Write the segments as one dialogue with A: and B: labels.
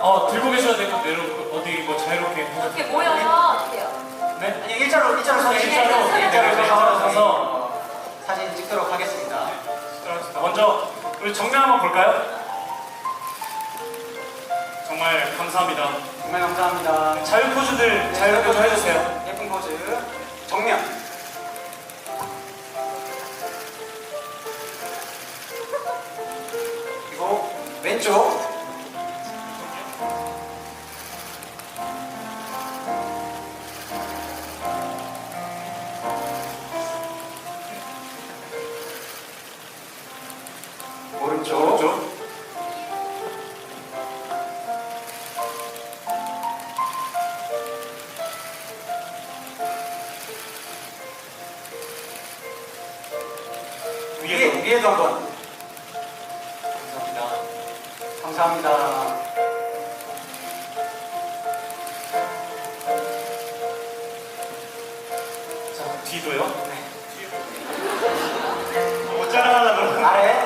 A: 들고 계셔야 되고 어디 뭐 자유롭게
B: 이렇게 모여서 어때요?
A: 네?
C: 아니 일자로
A: 일자로
C: 서서
A: 서서
C: 사진 찍도록 하겠습니다.
A: 먼저 우리 정면 한번 볼까요? 정말 감사합니다.
C: 정말 감사합니다.
A: 자유 포즈들 자유롭게 좀 해주세요.
C: 예쁜 포즈 정면. 그리고 왼쪽. 오른쪽. 위에도 한번.
A: 감사합니다.
C: 감사합니다.
A: 자, 뒤도요? 네. 못 자랑하려고 그러는
C: 아래.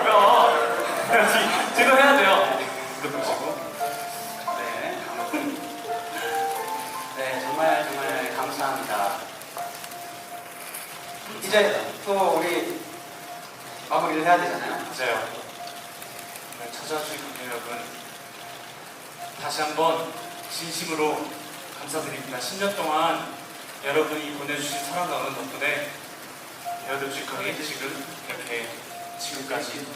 A: 뒤도 해야 돼요. 뒤도 보시고.
C: 네. 네, 정말 감사합니다. 이제 또 우리 마무리를 해야 되잖아요.
A: 맞아요. 오늘 찾아주신 여러분 다시 한번 진심으로 감사드립니다. 10년 동안 여러분이 보내주신 사랑과 응원 덕분에 여덟 뮤지컬이 지금 이렇게 지금까지